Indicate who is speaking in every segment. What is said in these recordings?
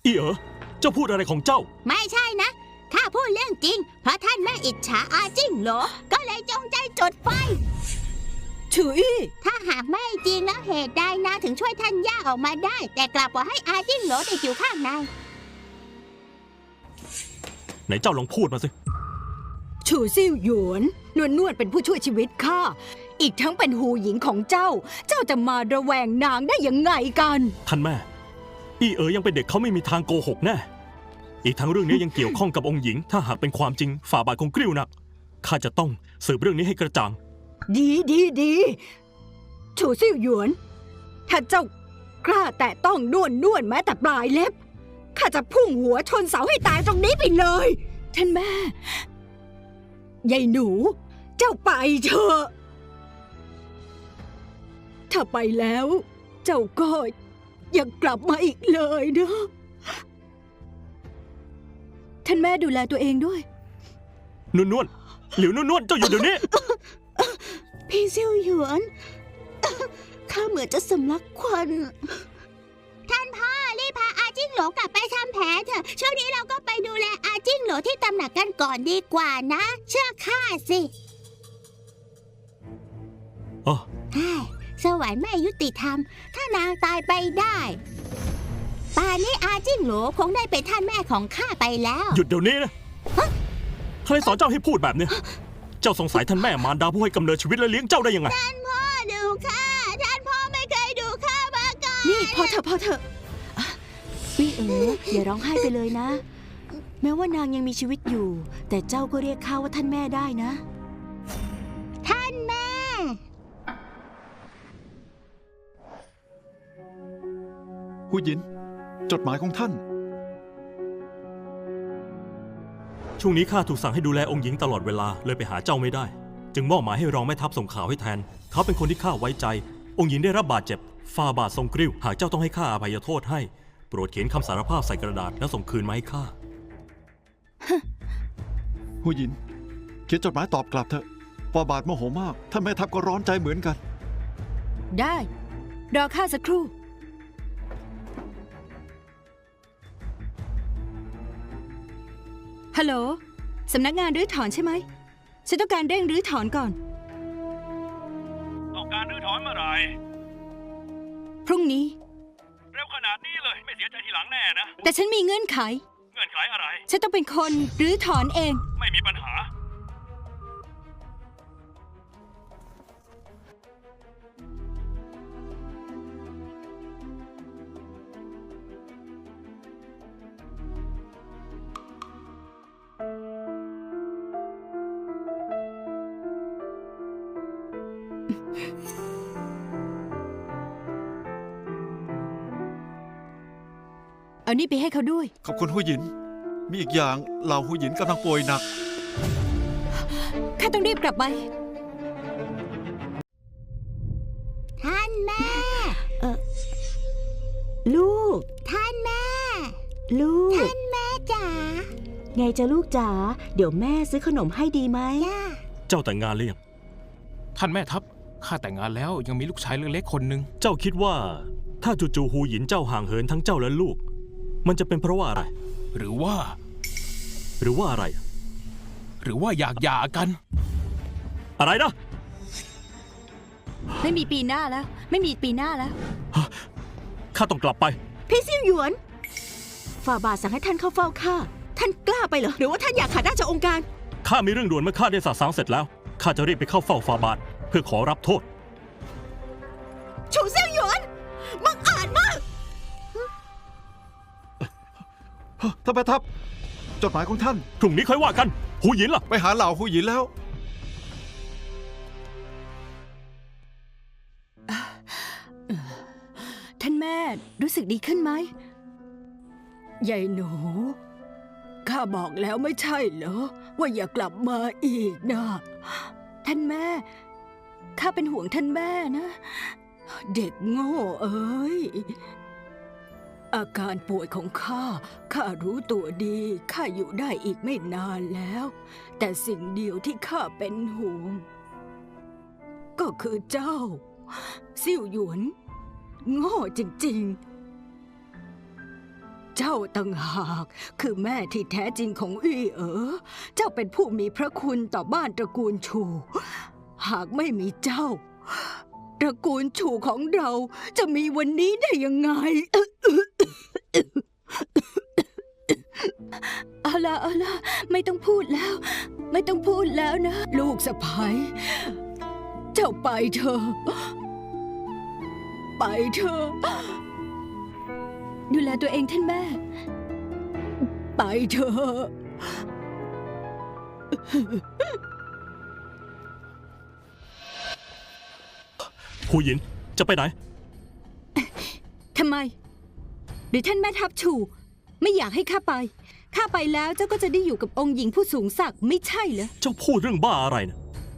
Speaker 1: อีเอ๋อเจ้าพูดอะไรของเจ้า
Speaker 2: ไม่ใช่นะข้าพูดเรื่องจริงเพราะท่านแม่อิจฉาอาจิ้งโหลก็เลยจงใจจุดไฟ
Speaker 3: ฉุย
Speaker 2: ถ้าหากไม่จริงแล้วเหตุใดนาถึงช่วยท่านย่าออกมาได้แต่กลับปล่อยให้อาจิ้งโหลติดอยู่ข้างใน
Speaker 1: ไหนเจ้าลองพูดมาสิ
Speaker 3: ฉูซิ่วหยวนนวลเป็นผู้ช่วยชีวิตข้าอีกทั้งเป็นหูหญิงของเจ้าจะมาระแวงนางได้ยังไงกัน
Speaker 1: ท่านแม่อีเอ๋อยังเป็นเด็กเขาไม่มีทางโกหกแน่อีกทั้งเรื่องนี้ยังเกี่ยวข้องกับองค์หญิงถ้าหากเป็นความจริงฝ่าบาทคงกริ้วหนักข้าจะต้องสืบเรื่องนี้ให้กระจ่าง
Speaker 3: ดีฉูซิ่วหยวนถ้าเจ้ากล้าแตะต้องนวลแม้แต่ปลายเล็บข้าจะพุ่งหัวชนเสาให้ตายตรงนี้ไปเลยท่านแม่ยายหนูเจ้าไปเถอะถ้าไปแล้วเจ้าก็อย่ากลับมาอีกเลยนะท่านแม่ดูแลตัวเองด้วย
Speaker 1: นวลหลิวนวลเจ้าอยู่เดี๋ยวนี้
Speaker 2: พี่ซิ่วหยวนข้าเหมือนจะสำลักควันท่านพ่อรีบพาอาจิ้งโหลกลับไปทำแผลเถอะช่วงนี้เราก็ไปดูแลอาจิ้งโหลที่ตำหนักกันก่อนดีกว่านะเชื่อข้าสิ
Speaker 1: อ๋อ
Speaker 2: สวรรค์ไม่ยุติธรรมถ้านางตายไปได้ป่านนี้อาจิ้งโหลคงได้เป็นท่านแม่ของข้าไปแล้ว
Speaker 1: หยุดเดี๋ยวนี้นะใครสอนเจ้าให้พูดแบบนี้เจ้าสงสัยท่านแม่มารดาผู้ให้กำเนิดชีวิตและเลี้ยงเจ้าได้ยังไง
Speaker 2: ท่านพ่อดูข้าท่านพ่อไม่เคยดูข้ามาก่อน
Speaker 3: นี่พอเถอะวี่อย่าร้องไห้ไปเลยนะแม้ว่านางยังมีชีวิตอยู่แต่เจ้าก็เรียกข้าว่าท่านแม่ได้นะ
Speaker 2: ท่านแม่
Speaker 4: หูหยินจดหมายของท่าน
Speaker 1: ช่วงนี้ข้าถูกสั่งให้ดูแลองค์หญิงตลอดเวลาเลยไปหาเจ้าไม่ได้จึงมอบหมายให้รองแม่ทัพส่งข่าวให้แทนเขาเป็นคนที่ข้าไว้ใจองค์หญิงได้รับบาดเจ็บฝ่าบาททรงกริ้วหากเจ้าต้องให้ข้าอภัยโทษให้โปรดเขียนคำสารภาพใส่กระดาษแล้วส่งคืนมาให้ข้า
Speaker 4: หูหยินเขียนจดหมายตอบกลับเถอะฝ่าบาทโมโหมากท่านแม่ทัพก็ร้อนใจเหมือนกัน
Speaker 3: ได้รอข้าสักครู่ฮัลโหลสำนักงานรื้อถอนใช่ไหมฉันต้องการเร่งรื้อถอนก่อน
Speaker 5: ต้องการรื้อถอนเมื่อไหร่
Speaker 3: พรุ่งนี้
Speaker 5: เร็วขนาดนี้เลยไม่เสียใจทีหลังแน่นะ
Speaker 3: แต่ฉันมีเงื่อนไข
Speaker 5: เงื่อนไขอะไร
Speaker 3: ฉันต้องเป็นคนรื้อถอนเอง
Speaker 5: ไม่มีปัญหา
Speaker 3: เอานี่ไปให้เขาด้วย
Speaker 4: ขอบคุณหูหยินมีอีกอย่างเหล่าหูหยินกำลังป่วยหนัก
Speaker 3: ข้าต้องรีบกลับไป
Speaker 2: ท่านแม่ลูกท่านแม่ลูกท่านแม่จ๋า
Speaker 3: ไงจะลูกจ๋าเดี๋ยวแม่ซื้อขนมให้ดีไหม
Speaker 1: เจ้าแต่งงานหรือยัง
Speaker 5: ท่านแม่ทัพข้าแต่งงานแล้วยังมีลูกชายเล็กๆคนหนึ่ง
Speaker 1: เจ้าคิดว่าถ้าจู่ๆหูหยินเจ้าห่างเหินทั้งเจ้าและลูกมันจะเป็นเพราะว่าอะไร
Speaker 5: หรือว่า
Speaker 1: อะไร
Speaker 5: หรือว่าอยากหย่ากัน
Speaker 1: อะไรนะ
Speaker 3: ไม่มีปีหน้าแล้ว
Speaker 1: ข้าต้องกลับไป
Speaker 3: พี่ซิ่วหยวนฝ่าบาทสั่งให้ท่านเข้าเฝ้าข้าท่านกล้าไปเหรอหรือว่าท่านอยากขาดราชองค์การ
Speaker 1: ข้ามีเรื่องด่วนเมื่อข้าได้สาสางเสร็จแล้วข้าจะรีบไปเข้าเฝ้าฝ่าบาทเพื่อขอรับโทษ
Speaker 3: ฉูซิ่วหยวนบังอาจมาก
Speaker 4: ท่านแม่ทัพจดหมายของท่าน
Speaker 1: พรุ่งนี้ค่อยว่ากันหูหยินล่ะ
Speaker 4: ไปหาเหล่าหูหยินแล้ว
Speaker 3: ท่านแม่รู้สึกดีขึ้นไหมยายหนูข้าบอกแล้วไม่ใช่เหรอว่าอย่ากลับมาอีกนะท่านแม่ข้าเป็นห่วงท่านแม่นะเด็กโง่เอ้ยอาการป่วยของข้ารู้ตัวดีข้าอยู่ได้อีกไม่นานแล้วแต่สิ่งเดียวที่ข้าเป็นห่วงก็คือเจ้าซิ่วหยวนโง่จริงๆเจ้าต่างหากคือแม่ที่แท้จริงของอี้เจ้าเป็นผู้มีพระคุณต่อบ้านตระกูลชู หากไม่มีเจ้า ตระกูลชูของเราจะมีวันนี้ได้ยังไง เอาล่ะไม่ต้องพูดแล้ว ไม่ต้องพูดแล้วนะ ลูกสะใภ้เจ้าไปเถอะไปเถอะดูแลตัวเองท่านแม่ ไปเถอะ
Speaker 1: หูหยินจะไปไหน
Speaker 3: ทำไม หรือท่านแม่ทัพชูไม่อยากให้ข้าไปแล้วเจ้าก็จะได้อยู่กับองค์หญิงผู้สูงศักดิ์ไม่ใช่เหรอ
Speaker 1: เจ้าพูดเรื่องบ้าอะไรนะ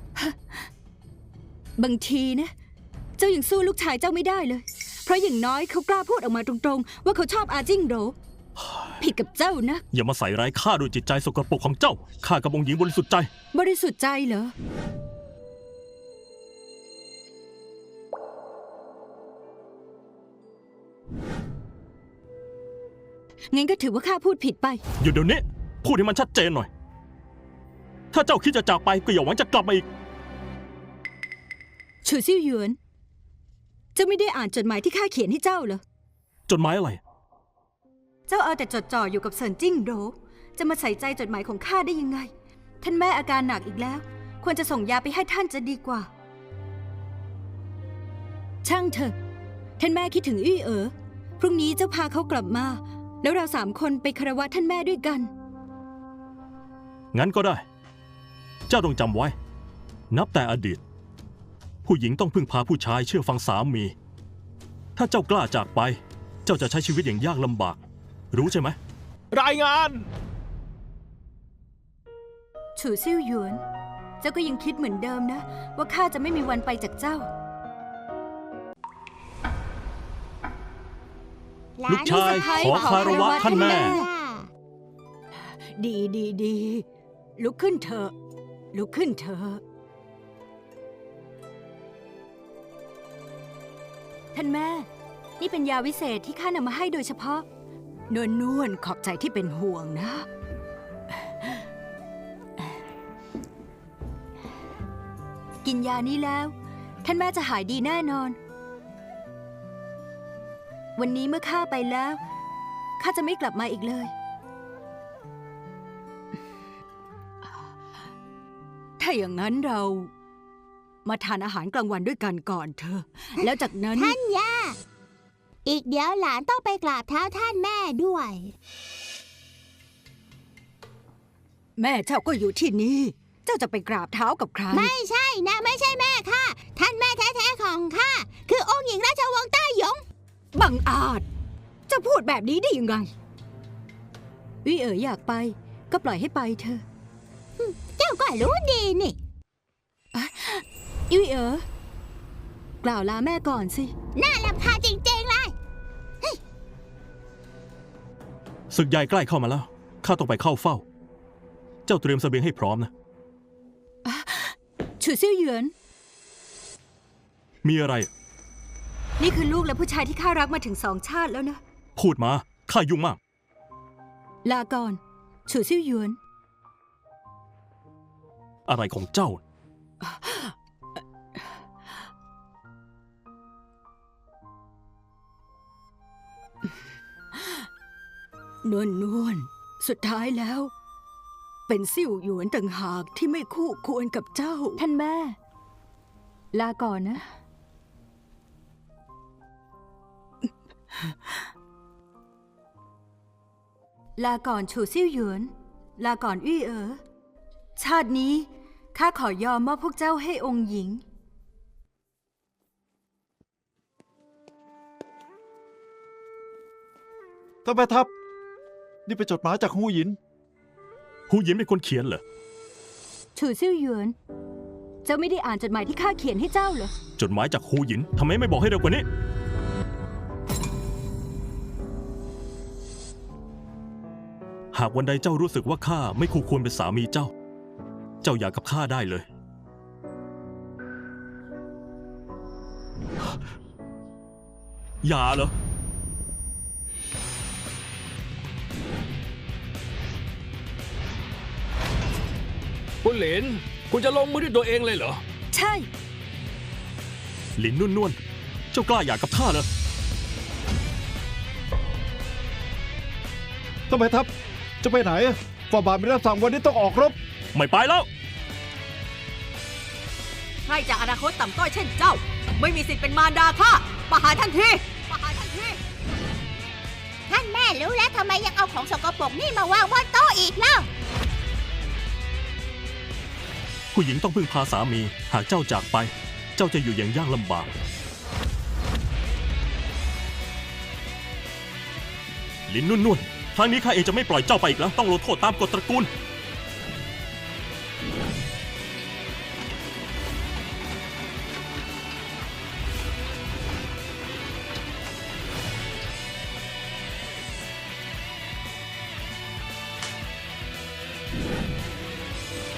Speaker 3: บางทีนะเจ้ายังสู้ลูกชายเจ้าไม่ได้เลย เพราะอย่างน้อยเขากล้าพูดออกมาตรงๆว่าเขาชอบอาจิ้งโหรผิดกับเจ้านะ
Speaker 1: อย่ามาใส่ร้ายข้าด้วยจิตใจสกปรกของเจ้าข้ากับองค์หญิงบริสุทธิ์ใจ
Speaker 3: บริสุทธิ์ใจเหรอ งั้นก็ถือว่าข้าพูดผิดไป
Speaker 1: หยุดเดี๋ยวนี้พูดให้มันชัดเจนหน่อย ถ้าเจ้าคิดจะจากไปก็อย่าหวังจะกลับมาอีก
Speaker 3: ฉูซิ่วหยวน เจ้าไม่ได้อ่านจดหมายที่ข้าเขียนให้เจ้าเหรอ
Speaker 1: จดหมายอะไร
Speaker 3: เจ้าเอาแต่จดจ่ออยู่กับเซินจิ้งโหรจะมาใส่ใจจดหมายของข้าได้ยังไง ท่านแม่อาการหนักอีกแล้ว ควรจะส่งยาไปให้ท่านจะดีกว่า ช่างเถอะ ท่านแม่คิดถึงอี้พรุ่งนี้เจ้าพาเขากลับมา แล้วเรา3 คนไปคารวะท่านแม่ด้วยกัน
Speaker 1: งั้นก็ได้ เจ้าต้องจำไว้ นับแต่อดีต ผู้หญิงต้องพึ่งพาผู้ชายเชื่อฟังสามี ถ้าเจ้ากล้าจากไป เจ้าจะใช้ชีวิตอย่างยากลำบาก รู้ใช่ไหม
Speaker 5: รายงาน
Speaker 3: ฉูซิ่วหยวน เจ้าก็ยังคิดเหมือนเดิมนะ ว่าข้าจะไม่มีวันไปจากเจ้า
Speaker 1: ลูกชายขอคารวะท่านแม่
Speaker 3: ดีลุกขึ้นเถอะ ลุกขึ้นเถอะ ท่านแม่ นี่เป็นยาวิเศษที่ข้านำมาให้โดยเฉพาะ นวลขอบใจที่เป็นห่วงนะ กินยานี้แล้ว ท่านแม่จะหายดีแน่นอน วันนี้เมื่อข้าไปแล้วข้าจะไม่กลับมาอีกเลย ถ้าอย่างนั้นเรามาทานอาหารกลางวันด้วยกันก่อนเถอะแล้วจากนั้น
Speaker 2: ท่านย่า อีกเดี๋ยวหลานต้องไปกราบเท้าท่านแม่ด้วย
Speaker 3: แม่เจ้าก็อยู่ที่นี่ เจ้าจะไปกราบเท้ากับใคร
Speaker 2: ไม่ใช่นะไม่ใช่แม่ค่ะ ท่านแม่แท้ๆของข้าคือองค์หญิงราชวงศ์ต้าหยง
Speaker 3: บังอาจจะพูดแบบนี้ได้ยังไงวิอยากไปก็ปล่อยให้ไปเถอะ
Speaker 2: เจ้าก็รู้ดีนี่
Speaker 3: วิกล่าวลาแม่ก่อนสิ
Speaker 2: น่ารำคาญจริงๆเลย
Speaker 1: ศึกใหญ่ใกล้เข้ามาแล้ว ข้าต้องไปเข้าเฝ้า เจ้าเตรียมเสบียงให้พร้อมนะ
Speaker 3: ฉูซิ่วหยวน
Speaker 1: มีอะไร
Speaker 3: นี่คือลูกและผู้ชายที่ข้ารักมาถึง2 ชาติแล้วนะ
Speaker 1: พูดมา ข้ายุ่งมาก
Speaker 3: ลาก่อนฉูซิ่วหยวน
Speaker 1: อะไรของเจ้า
Speaker 3: นวลสุดท้ายแล้ว เป็นซิ่วหยวนต่างหากที่ไม่คู่ควรกับเจ้า ท่านแม่ ลาก่อนนะ ลาก่อนฉูซิ่วหยวน ลาก่อนอี้ชาตินี้ข้าขอยอมมอบพวกเจ้าให้องค์หญิง
Speaker 4: ท่านแม่ทัพนี่เป็นจดหมายจากฮูหยิน
Speaker 1: หูหยินเป็นคนเขียนเหรอ
Speaker 3: ฉูซิ่วหยวน เจ้าไม่ได้อ่านจดหมายที่ข้าเขียนให้เจ้าเหรอ
Speaker 1: จดหมายจากหูหยินทำไมไม่บอกให้เร็วกว่านี้ หากวันใดเจ้ารู้สึกว่าข้าไม่คู่ควรเป็นสามีเจ้า เจ้าอยากกับข้าได้เลย อย่าเหรอ
Speaker 6: คุณเหลน คุณจะลงมือด้วยตัวเองเลยเหรอ
Speaker 3: ใช่
Speaker 1: หลินนวลเจ้ากล้าหย่ากับข้าเหรอ
Speaker 4: ทำไมทัพจะไปไหนฝ่าบาทไม่รับสั่งวันนี้ต้องออกรบ
Speaker 1: ไม่ไปแล้ว
Speaker 3: ใครจากอนาคตต่ำต้อยเช่นเจ้า ไม่มีสิทธิ์เป็นมารดาข้าประหารทันทีประหารทันที
Speaker 2: ท่านแม่รู้แล้วทำไมยังเอาของสกปรกนี่มาวางบนโต๊ะอีกเล่า
Speaker 1: ผู้หญิงต้องพึ่งพาสามี หากเจ้าจากไป เจ้าจะอยู่อย่างยากลำบาก หลินนวลครั้งนี้ข้าเองจะไม่ปล่อยเจ้าไปอีกแล้ว ต้องลงโทษตามกฎตระกูล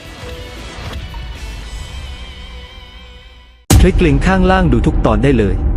Speaker 7: คลิกลิงก์ข้างล่างดูทุกตอนได้เลย